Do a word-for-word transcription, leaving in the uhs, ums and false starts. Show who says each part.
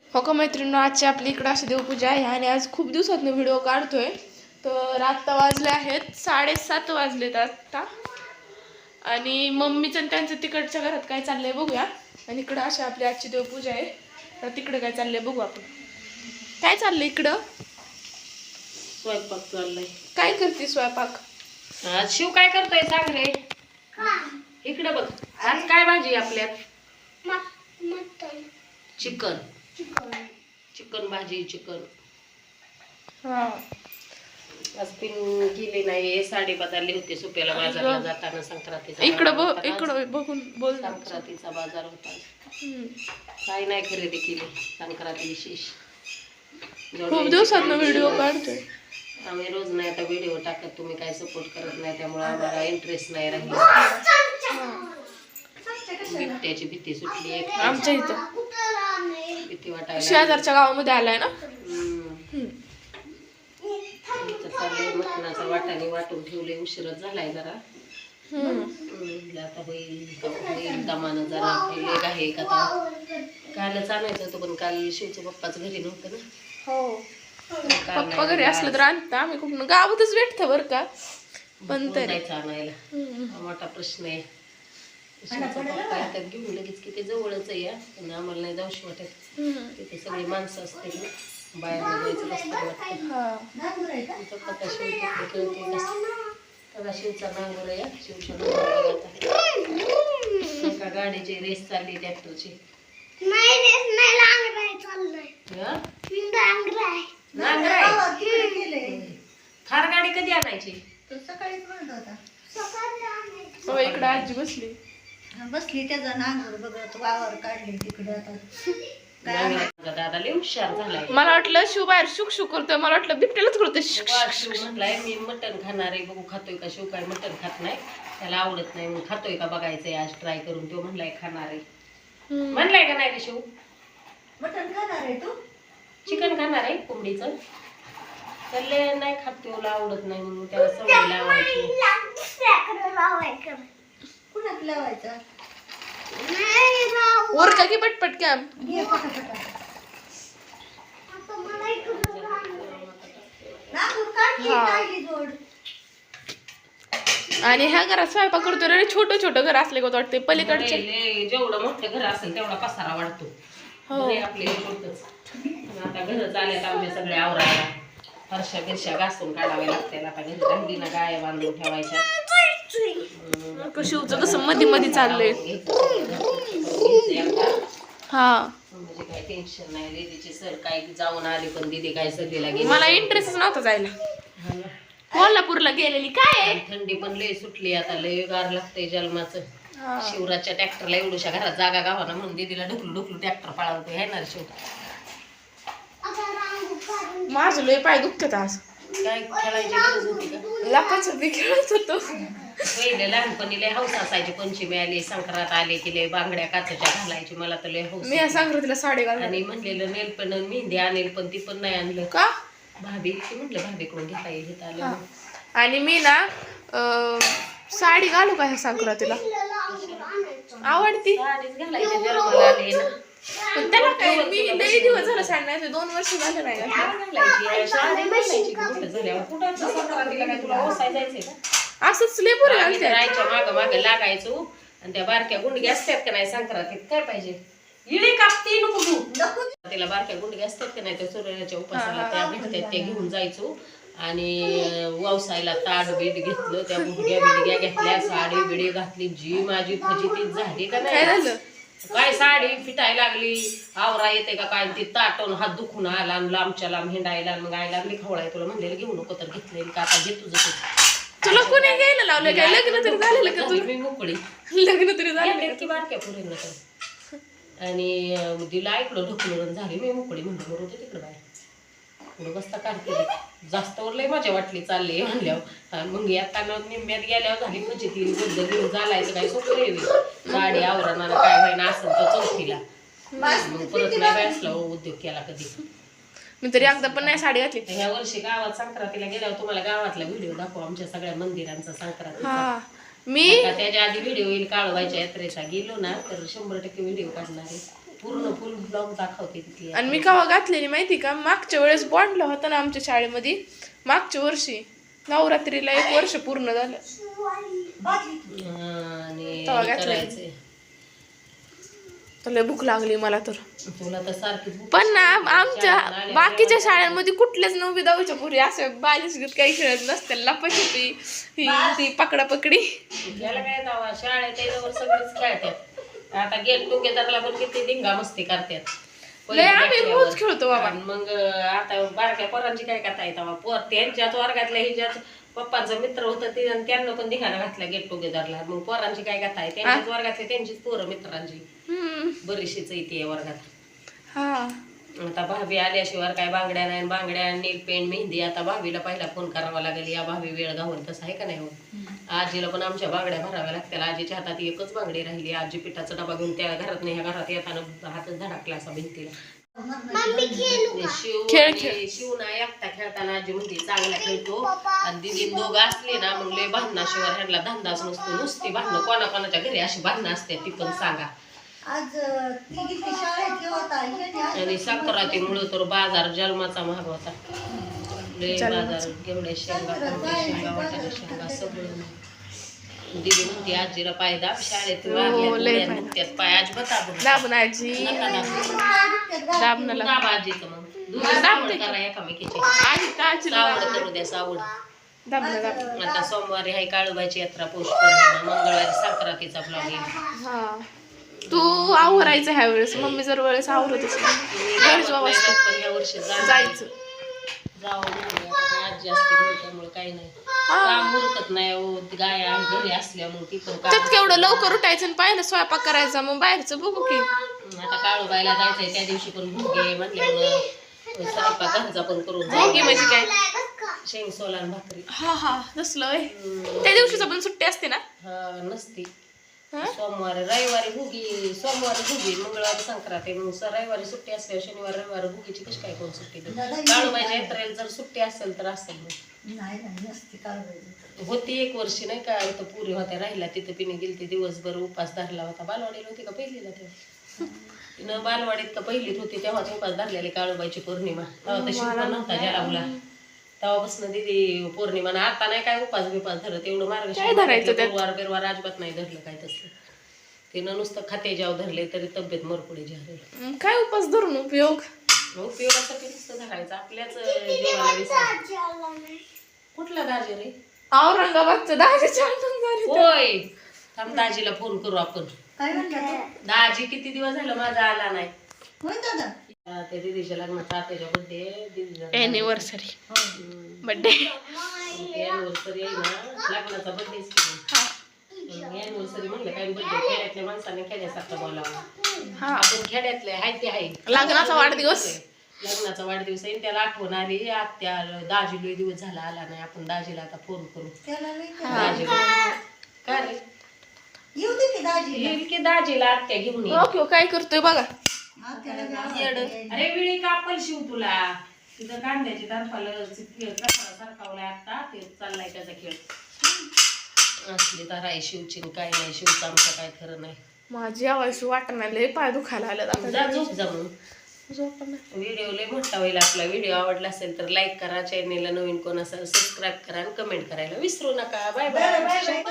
Speaker 1: हो का मैत्रिणी, आजची आपली इकडं अशी देवपूजा आहे आणि आज खूप दिवसातून व्हिडिओ काढतोय. तर आत्ता वाजले आहेत साडेसात वाजलेत आत्ता. आणि मम्मीचं त्यांचं तिकडच्या घरात काय चाललंय बघूया. आणि इकडं अशी आपली आजची देवपूजा आहे. तर तिकडं काय चाललंय बघू आपण. काय चाललंय इकडं?
Speaker 2: स्वयंपाक चाललाय.
Speaker 1: काय करते स्वयंपाक?
Speaker 2: आज शिव काय करतोय सांग रे. इकडे बघ, आज काय भाजी आपल्यात? चिकन. चिकन भाजी. चिकन
Speaker 1: हा
Speaker 2: आज पिन गेली नाही. साडी बदलली होती सुप्याला बाजारला जाताना. संक्रांतीचा
Speaker 1: इकडं बघ, इकडं बघून बोल.
Speaker 2: संक्रांतीचा बाजार होता. काय नाही खरेदी केली संक्रांती विशेष.
Speaker 1: खूप दिवसातून व्हिडिओ काढतोय.
Speaker 2: आम्ही रोज नाही आता व्हिडिओ टाकत. तुम्ही काय सपोर्ट करत नाही त्यामुळे आम्हाला इंटरेस्ट नाही राहिला. बिबट्याची भीती सुटली एक
Speaker 1: आमच्या इथं
Speaker 2: भीती वाटायला.
Speaker 1: शेजारच्या गावामध्ये आलाय ना.
Speaker 2: चाललंय मटणाचा वाटाणे वाटून ठेवले. उशीरच झालाय जरा. आता होईल होईल दमानं जरा लेग आहे का. कालच आणायचं होतं पण काल शिवचं पप्पाच घरी नव्हतं ना.
Speaker 1: हो, पप्पा घरी असलं तर आणता. आम्ही खूप गावातच भेटतं बरं का. पण तरी
Speaker 2: आणायला मोठा प्रश्न आहे. पप्पा येतात घेऊन लगेच की ते जवळच आहे या. पण आम्हाला नाही जाऊशी वाटत. तिथे सगळी माणसं असते ना. बाहेर जायचं रस्ता वाटतं. पप्पा शिव कळते का शिवचा नांगर आहे. शिवच्या एका गाडीची रेस चालली ट्रॅक्टरची. थार गाडी कधी आणायची?
Speaker 3: सकाळीच म्हणत होता.
Speaker 1: हो, इकडे आजी बसली
Speaker 3: बसली त्याचा नांगर बघत वावर काढली तिकडे. आता
Speaker 2: दादा लय हुशार झालाय.
Speaker 1: मला वाटलं शिव बाहेर शुक शुक करतोय. मला वाटलं बिबट्यालाच करतोय.
Speaker 2: शिव म्हटलाय मी मटण खाणार आहे. बघू खातोय का. शिव काय मटण खात नाही, त्याला आवडत नाही. मग खातोय का बघायचंय आज ट्राय करून. तो म्हणलाय खाणार आहे. म्हणलाय का नाही रे शिव?
Speaker 3: मटण खाणार आहे तू?
Speaker 2: चिकन खाणार आहे कोंबडीचं. त्याला नाही खात, त्याला आवडत नाही म्हणून त्याला सवय लावायची.
Speaker 3: कुणाक लावायचा?
Speaker 1: वर का की पटपट कॅम. आणि ह्या घरात स्वयंपाक करतो रे. छोटं छोटं घर असले का वाटते पलीकडचे.
Speaker 2: जेवढं मोठं घर असेल तेवढा पसारा वाढतो. आपले छोटच. आता घर चालत आमचे सगळे आवरायला. फरशा बिरशा घासून काढाव्या लागतील. आता घरी राहिली ना गाय बांधून ठेवायच्या.
Speaker 1: शिवचं कसं मध्ये मध्ये चाललंय. हा
Speaker 2: म्हणजे काही टेन्शन नाही. दीदीची सर काय जाऊन आली पण दीदी काय सगळीला गेली.
Speaker 1: मला इंटरेस्टच नव्हता जायला. कोल्हापूरला गेलेली. काय
Speaker 2: थंडी पण लय सुटली आता. लय गार लागतंय जन्माचं. शिवराजच्या ट्रॅक्टरला एवढ्याशा घरात जागा गावाना म्हणून दीदीला ढुकलू ढुकलू ट्रॅक्टर पळावतो. हे ना शिव
Speaker 1: माझं लय पाय दुखतात आज.
Speaker 2: काय खेळायची गरज होती का?
Speaker 1: लापाचं बी खेळत होतो.
Speaker 2: पहिले लहानपणी लय हौस असायची. पंचमी आली संक्रांत आली की लय बांगड्या काचेच्या घालायची. मला तर लय हौस.
Speaker 1: मी संक्रांतीला साडी घालून
Speaker 2: आणि म्हणलेलं नेल पण मेहंदी आणेल पण ती पण नाही आणलं
Speaker 1: का.
Speaker 2: भाभी ती म्हटलं भाभीकडून घेता येईल घेता आलं.
Speaker 1: आणि मी ना साडी घालू का ह्या संक्रांतीला? आवडती
Speaker 2: साडीच घालायची जन्माला आले ना.
Speaker 1: पण त्याला काय मी लई दिवस झालं साडी नाही. दोन वर्ष झाले नाही
Speaker 2: घालायची. साडी घालायची मोठं झाल्यावर. कुठं संक्रांतीला काय तुला ओसाय जायचंय का?
Speaker 1: असंच लय बरं घालते.
Speaker 2: राहायच्या मागं मागं लागायचो. आणि त्या बारक्या गुंडग्या असतात का नाही संक्रांतीत काय पाहिजे इडी कापती नको तू. तिला बारक्या गुंडग्या असतात का नाही त्या सूर्याच्या उपासाला त्या भेटतात. त्या घेऊन जायचो. आणि वावसायला ताट बीट घेतलं. त्या गुडघ्या बिडग्या घेतल्या. साडी बिडी घातली. जी माझी फजितीच झाली का नाही. काय साडी फिटायला लागली. आवरा येते का काय. ती ताटून हात दुखून आला. लांबच्या लांब हिंडायला. मग आई लागली खवळाय. तुला म्हणलेलं घेऊ नको तर घेतलेली का आता घे तुझं.
Speaker 1: तुला कोणी घ्यायला लावलं काय? लग्न तरी झालेलं का तुला?
Speaker 2: मी मोकळी.
Speaker 1: लग्न तरी झालं
Speaker 2: की बारक्या पुरेल तर. आणि तिला ऐकलं ढकलून झाली. मी मोकळी म्हणलं बरोबर तिकडं बाहेर पुढं बसता काढते. जास्त वर लय मजा वाटली चालली म्हणल्यावर. मग आता निम्म्यात गेल्यावर झाली फजिती. गोंधळ घेऊन चालायचं काय सोपं आहे. गाडी आवरणार काय व्हायना असं तर चौथीला. मग परत नाही बसला उद्योग केला कधी.
Speaker 1: मी तरी एकदा पण नाही साडी घातली.
Speaker 2: ह्या वर्षी गावात संक्रांतीला गेल्यावर तुम्हाला गावातला व्हिडिओ दाखवू आमच्या सगळ्या मंदिरांचा संक्रांतीचा.
Speaker 1: मी
Speaker 2: त्याच्या आधी व्हिडिओ येईल. काळवायच्या यात्रेचा गेलो ना तर शंभर टक्के व्हिडिओ काढणार आहे. पूर्ण फुल ब्लॉग दाखवते तिथली.
Speaker 1: आणि मी केव्हा घातलेली माहिती का, मागच्या वेळेस बॉन्डला होता ना आमच्या शाळेमध्ये, मागच्या वर्षी नवरात्रीला एक वर्ष पूर्ण झालं
Speaker 2: आणि
Speaker 1: तेव्हा घातलेली.
Speaker 2: करायचंय.
Speaker 1: तर लय भूक लागली मला तर.
Speaker 2: तुला तर सारखी
Speaker 1: पण ना आमच्या बाकीच्या शाळांमध्ये कुठल्याच नववी दहावीच्या पुरी असं बालिश काही खेळत नसते, लपाछपी ही ती पकडा पकडी.
Speaker 2: याला काय जावा, शाळेत त्याच्यावर सगळेच खेळतात. आता गेट टुगेदरला पण किती धिंगा मस्ती करतात.
Speaker 1: लय आम्ही रोज खेळतो बाबा.
Speaker 2: आणि मग आता बारक्या पोरांची काय कथा आहे तेव्हा, पोर त्यांच्याच वर्गातल्या हिच्याच पप्पांचं मित्र होतं ते, आणि त्यांना पण धिंगाणा घातला गेट टुगेदरला. मग पोरांची काय कथा आहे, त्यांच्याच वर्गातले त्यांचीच पोरं मित्रांची बरीचशीच येते या वर्गात.
Speaker 1: हा
Speaker 2: आता भाभी आल्याशिवाय काय बांगड्या नाही, बांगड्या नील पेंट मेहंदी. आता भाभीला पहिला फोन करावा लागेल, या भाभी वेळ घालून, तसं आहे का नाही. आजीला पण आमच्या बांगड्या भराव्या लागतील. आजीच्या हातात एकच बांगडी राहिली. आजी पिठाचा डबा घेऊन त्या घरात नाही, ह्या घरात येताना हातच धडकला असा भिंतीला. शिव
Speaker 1: खेळ
Speaker 2: आणि शिव ना एकटा खेळताना आजी म्हणते चांगला खेळतो, आणि दिदी दोघं असले ना मग लय भांडणाशिवाय ह्यांना धंदाच नसतो. नुसती भांडणं, कोणा कोणाच्या घरी अशी भांडणं असते ती पण सांगा.
Speaker 3: आज ती किती शाळेत होता
Speaker 2: आणि संक्रांतीमुळे तर बाजार जन्माचा महाग होता. लय बाजार, घेवड्या शेंगा, कोणत्या शेंगा, वाटाणा शेंगा सगळं. दिदी म्हणते आजीला पाय दाब, शाळेत लागल्यात पाय अजिबात दाबून
Speaker 1: दाबून आजी
Speaker 2: नका दाबू.
Speaker 1: दाबणं लागतं.
Speaker 2: दाब आजीचं मग दोघं सावड करा एकामेकीची.
Speaker 1: आजी तर आजीला
Speaker 2: सावड करू द्या, सावड.
Speaker 1: दाबणं दाबणं.
Speaker 2: आता सोमवारी हाय काळूबाईची यात्रा, पौष पौर्णिमा, मंगळवारी संक्रांतीचा ब्लॉग येईल.
Speaker 1: हा तू आवरायचं ह्या वेळेस, मम्मी जर वेळेस आवरत असेल घरच वाजता
Speaker 2: पण या वर्षी जा-
Speaker 1: जायचं.
Speaker 2: जावं म्हणले. आता काय आजी असते घरी त्यामुळे काही नाही, काम उरकत नाही. हो गाय आहे घरी असल्यामुळे ती पण काम.
Speaker 1: त्यात केवढं लवकर उठायचं आणि पाहिलं स्वयंपाक करायचा, मग बाहेरचं बघू की.
Speaker 2: आता काळूबाईला जायचंय, त्या दिवशी पण भुगे म्हटल्यामुळं स्वयंपाक घरचा पण करून
Speaker 1: भोगी म्हणजे काय?
Speaker 2: शेंग सोलान भाकरी.
Speaker 1: हा हा तसलं होय. त्या दिवशीच पण सुट्टी असते ना.
Speaker 2: हा नसती.
Speaker 1: हा?
Speaker 2: सोमवारी रविवारी भुगी, सोमवारी भुगी, मंगळवारी संक्रांती, मग स- रविवारी सुट्टी असल्यावर शनिवारी रविवारी भुगीची कशी काय कोण सुट्टी देते? काळूबाईच्या यात्रेला जर सुट्टी असेल तर असेल मग.
Speaker 3: नाही नाही नसती काढवायची.
Speaker 2: होती एक वर्षी नाही का, इथं पुरी होत्या राहिला, तिथं पिणे गेली, दिवसभर उपास धरला होता. बालवाडीला होती का पहिलीला तेव्हा? तिनं बालवाडीत का पहिलीत होती तेव्हाच उपास धरलेली काळूबाईची पौर्णिमा. तेव्हा तर शिवपण नव्हता जलावला, तेव्हापासून दिदी पौर्णिमा ना. आता नाही काय उपास बिपास धरत, एवढं मार्गशीर्ष गुरुवार बिरवार अजिबात नाही धरलं काय तसलं. तिनं नुसतं खाते जाव धरले तरी तब्येत मरपुडी झाली.
Speaker 1: मग काय उपास धरून उपयोग.
Speaker 2: उपयोगासाठी नुसतं धरायचं, आपल्याच जीवाला विसर. कुठला दाजी रे?
Speaker 1: औरंगाबादचं दहाच्या झाले.
Speaker 2: होय, थांब दाजीला फोन करू आपण.
Speaker 3: काय म्हणला तो?
Speaker 2: दाजी किती दिवस झालं माझा आला नाही.
Speaker 3: होय दादा.
Speaker 2: त्या दिदीच्या लग्नाचा आताच्या बर्थडे दिदीचा
Speaker 1: एनिव्हर्सरी बर्थडे.
Speaker 2: एनिव्हर्सरी आहे ना, लग्नाचा बर्थडे. एनिव्हर्सरी म्हणलं काय बर्थडे, खेड्यातल्या माणसाने खेड्यासारखं बोलावं.
Speaker 1: हा
Speaker 2: आपण खेड्यातले आहे ते आहे.
Speaker 1: लग्नाचा वाढदिवस.
Speaker 2: लग्नाचा वाढदिवस आहे, त्याला आठवण आली. आत्या दाजी लय दिवस झाला आला नाही, आपण दाजीला आता फोन करू.
Speaker 3: त्याला नाही का?
Speaker 2: दाजीला काय रे,
Speaker 3: येऊ दे की दाजी.
Speaker 2: येईल की दाजीला आत्या घेऊन ये.
Speaker 1: ओके काय करतोय बघा.
Speaker 2: अरे विळी कापल शिव तुला, तिथं कांद्याची तारपाला सारखावलाय आता, ते चाललाय त्याचा खेळ. असली तर आहे शिवची काय नाही, शिवचं आमचं काय खरं नाही.
Speaker 1: माझी आवाज वाटणार लय पाय दुखायला आलं.
Speaker 2: जा झोप जा म्हणून. व्हिडिओ लय मोठा होईल आपला. व्हिडिओ आवडला असेल तर लाईक करा, चॅनेलला नवीन कोण असेल सबस्क्राईब करा आणि कमेंट करायला विसरू नका. Bye bye.